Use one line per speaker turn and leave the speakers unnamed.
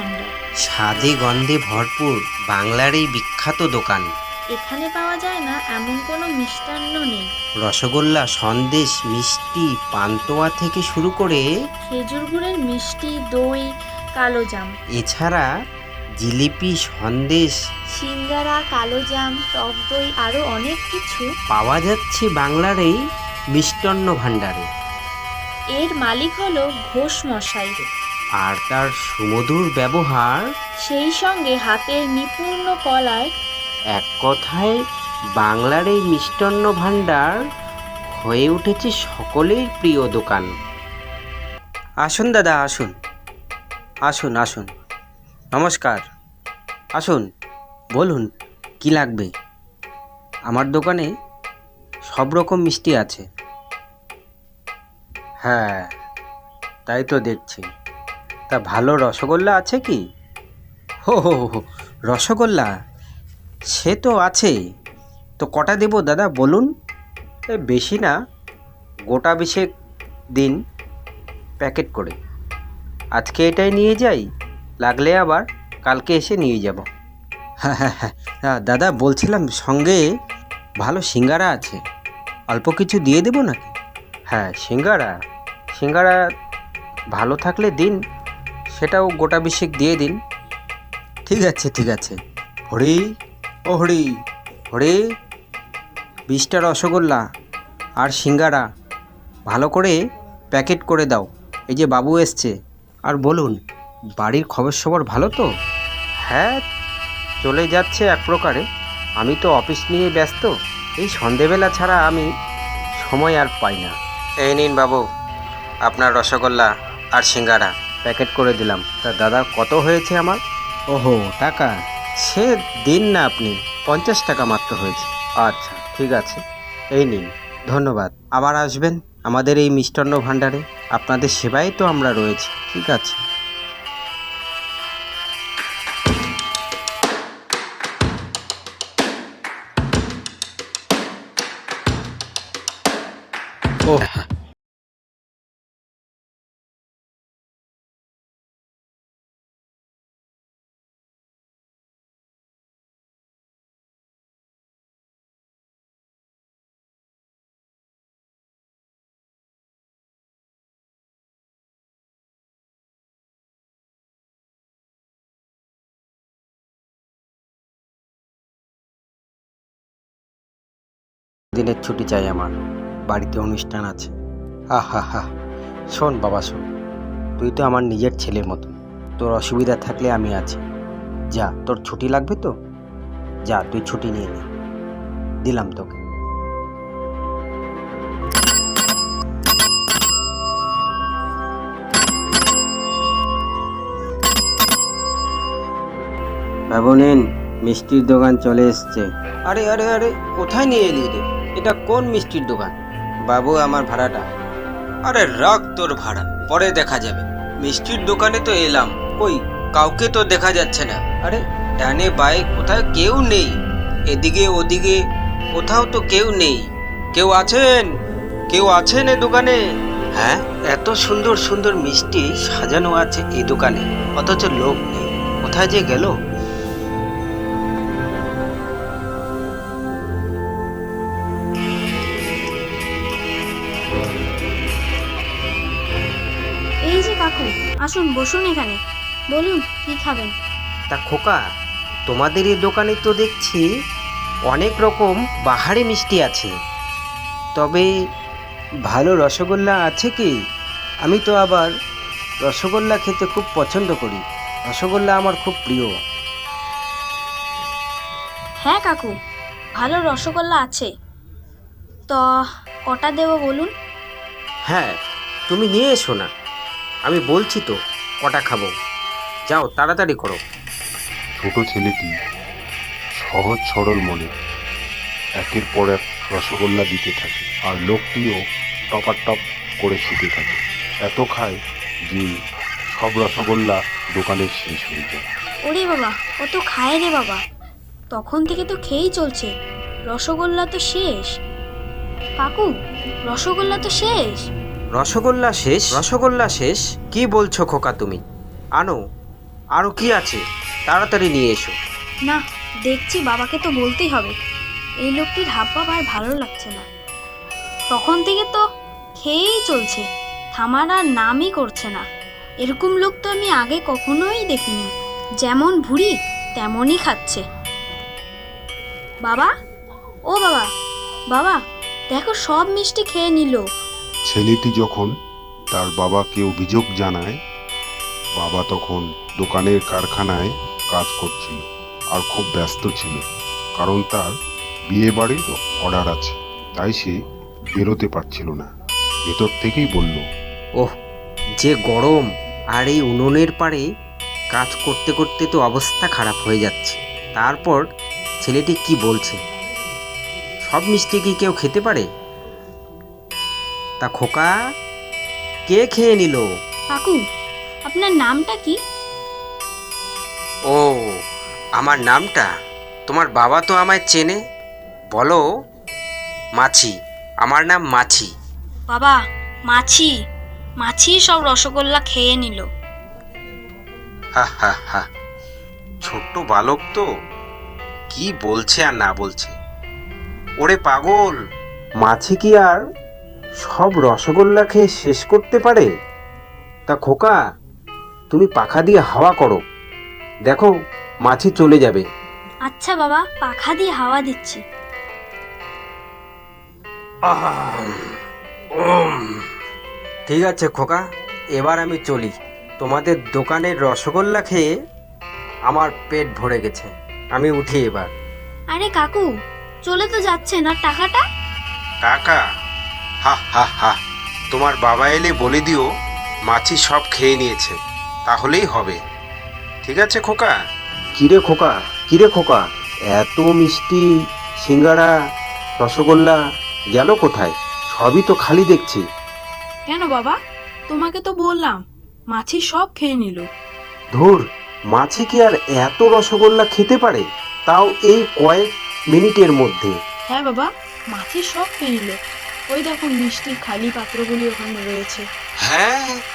ভাণ্ডার।
স্বাদে গন্ধে ভরপুর বাংলার এই বিখ্যাত দোকান।
এখানে পাওয়া যায় না এমন কোনো মিষ্টান্ন নেই।
রসগোল্লা, সন্দেশ, মিষ্টি, পান্তুয়া থেকে শুরু করে
খেজুর গুড়ের মিষ্টি, দই, কালোজাম,
এছাড়া জিলিপি, সন্দেশ
সিঙ্গারা, কালোজাম, টক দই আরও অনেক কিছু।
পাওয়া যাচ্ছে বাংলার এই মিষ্টান্ন ভাণ্ডারে।
এর মালিক হলো ঘোষ মশাই।
আর তার সুমধুর ব্যবহার,
সেই সঙ্গে হাতের নিপুণ কলায়
এক কথায় বাংলার এই মিষ্টান্ন ভাণ্ডার হয়ে উঠেছে সকলের প্রিয় দোকান। আসুন দাদা, আসুন আসুন আসুন, নমস্কার। আসুন, বলুন কি লাগবে। আমার দোকানে সব রকম মিষ্টি আছে। হ্যাঁ, তাই তো দেখছি। তা ভালো রসগোল্লা আছে কি? হো হো হো, রসগোল্লা সে তো আছে। তো কটা দেবো দাদা বলুন? বেশি না, গোটা বিশেক দিন প্যাকেট করে। আজকে এটাই নিয়ে যাই, লাগলে আবার কালকে এসে নিয়ে যাব। হ্যাঁ হ্যাঁ হ্যাঁ, দাদা বলছিলাম সঙ্গে ভালো সিঙ্গারা আছে, অল্প কিছু দিয়ে দেবো নাকি? হ্যাঁ, সিঙ্গারা সিঙ্গারা ভালো থাকলে দিন, সেটাও গোটা বিশেক দিয়ে দিন। ঠিক আছে ঠিক আছে। হরি, ও হরি, হরি, 20টা রসগোল্লা আর সিঙ্গারা ভালো করে প্যাকেট করে দাও। এই যে বাবু এসছে। আর বলুন, বাড়ির খবর সবর ভালো তো? হ্যাঁ, চলে যাচ্ছে এক প্রকারে। আমি তো অফিস নিয়ে ব্যস্ত, এই সন্ধেবেলা ছাড়া আমি সময় আর পাই না। এই নিন বাবু, আপনার রসগোল্লা আর সিঙ্গারা প্যাকেট করে দিলাম। তা দাদা কত হয়েছে আমার? ওহো, টাকা সে দিন না আপনি, 50 টাকা মাত্র হয়েছে। আচ্ছা ঠিক আছে, এই নিন। ধন্যবাদ। আবার আসবেন আমাদের এই মিষ্টান্ন ভাণ্ডারে, আপনাদের সেবায় তো আমরা রয়েছি। ঠিক আছে। ও, দিনের ছুটি চাই আমার, বাড়িতে অনুষ্ঠান আছে। হা হা হা, শোন বাবা শোন, তুই তো আমার নিজের ছেলের মতো। তোর অসুবিধা থাকলে আমি আছি। যা, তোর ছুটি লাগবে তো যা, তুই ছুটি নিয়ে নে। দিলাম তোকে। বাবু নিন, মিষ্টির দোকান চলে এসছে। আরে আরে আরে, কোথায় নিয়ে এলি রে? এটা কোন মিষ্টির দোকান? বাবু, আমার ভাড়াটা। আরে রাখ তোর ভাড়া, পরে দেখা যাবে। মিষ্টির দোকানে তো এলাম, কই কাউকে তো দেখা যাচ্ছে না। আরে ডানে বায়ে কোথায় কেউ নেই, এদিকে ওদিকে কোথাও তো কেউ নেই। কেউ আছেন? কেউ আছেন এ দোকানে? হ্যাঁ, এত সুন্দর সুন্দর মিষ্টি সাজানো আছে এই দোকানে, অথচ লোক নেই। কোথায় যে গেল?
এই যে কাকু, আসুন বসুন এখানে, বলুন কি খাবেন।
তা খোকা, তোমাদের এই দোকানে তো দেখছি অনেক রকম বাহারি মিষ্টি আছে, তবে ভালো রসগোল্লা আছে কি? আমি তো আবার রসগোল্লা খেতে খুব পছন্দ করি, রসগোল্লা আমার খুব প্রিয়।
হ্যাঁ কাকু, ভালো রসগোল্লা আছে, তো কটা দেবো বলুন।
হ্যাঁ, তুমি নিয়ে এসো না, আমি বলছি তো কটা খাবো। যাও তাড়াতাড়ি করো।
ছোট ছেলেটি সহজ সরল মনে একের পর এক রসগোল্লা দিতে থাকে, আর লোকটিও টপাটপ করে খেতে থাকে। এত খায় যে সব রসগোল্লা দোকানের শেষ হয়ে যায়।
ওরে বাবা, কত খায় রে বাবা, তখন থেকে তো খেয়েই চলছে, রসগোল্লা তো শেষ। কাকু, রসগোল্লা তো শেষ।
রসগোল্লা শেষ? রসগোল্লা শেষ? কি বলছো খোকা তুমি? আনো, আরও কি আছে, তাড়াতাড়ি নিয়ে এসো।
না, দেখছি বাবাকে তো বলতেই হবে। এই লোকটির হাবভাব আর ভালো লাগছে না। তখন থেকে তো খেয়েই চলছে, থামার আর নামই করছে না। এরকম লোক তো আমি আগে কখনোই দেখিনি। যেমন ভুঁড়ি তেমনই খাচ্ছে। বাবা, ও বাবা, বাবা দেখো সব মিষ্টি খেয়ে নিল।
ছেলেটি যখন তার বাবাকে অভিযোগ জানায়, বাবা তখন দোকানের কারখানায় কাজ করছিল আর খুব ব্যস্ত ছিল, কারণ তার বিয়ে বাড়ির অর্ডার আছে, তাই সে বেরোতে পারছিল না। ভেতর থেকেই বলল,
ওহ, যে গরম, আর এই উনুনের পাড়ে কাজ করতে করতে তো অবস্থা খারাপ হয়ে যাচ্ছে। তারপর ছেলেটি কি বলছে, সব মিষ্টি কি কেউ খেতে পারে? তা খোকা, কে খেয়ে নিল?
কাকু, আপনার নামটা কি?
ও, আমার নামটা? তোমার বাবা তো আমায় চেনে। বলো মাছি, আমার নাম মাছি।
বাবা, মাছি, মাছি সব রসগোল্লা খেয়ে নিল।
হা হা হা, ছোট্ট বালক তো কি বলছে আর না বলছে। ওরে পাগল, মাছি কি আর সব রসগোল্লা খেয়ে শেষ করতে পারে? তা খোকা, তুমি পাখা দিয়ে হাওয়া করো, দেখো মাছি চলে যাবে।
আচ্ছা বাবা, পাখা দিয়ে হাওয়া দিচ্ছি।
ঠিক আছে খোকা, এবার আমি চলি। তোমাদের দোকানের রসগোল্লা খেয়ে আমার পেট ভরে গেছে, আমি উঠি এবার।
আরে কাকু, চলে তো যাচ্ছেন, আর টাকাটা?
টাকা? হা হা হা, তোমার বাবা এলে বলে দিও মাছি সব খেয়ে নিয়েছে, তাহলেই হবে। ঠিক আছে খোকা। কিরে খোকা, কিরে খোকা, এত মিষ্টি, সিঙ্গারা, রসগোল্লা গেল কোথায়? সবই তো খালি দেখছি।
কেন বাবা, তোমাকে তো বললাম মাছি সব খেয়ে নিল।
ধুর, মাছি কি আর এত রসগোল্লা খেতে পারে, তাও এই কয়েক মিনিটের মধ্যে?
হ্যাঁ বাবা, মাছি সব খেয়ে নিল। ওই দেখুন মিষ্টির খালি পাত্রগুলি ওখানে রয়েছে।
হ্যাঁ,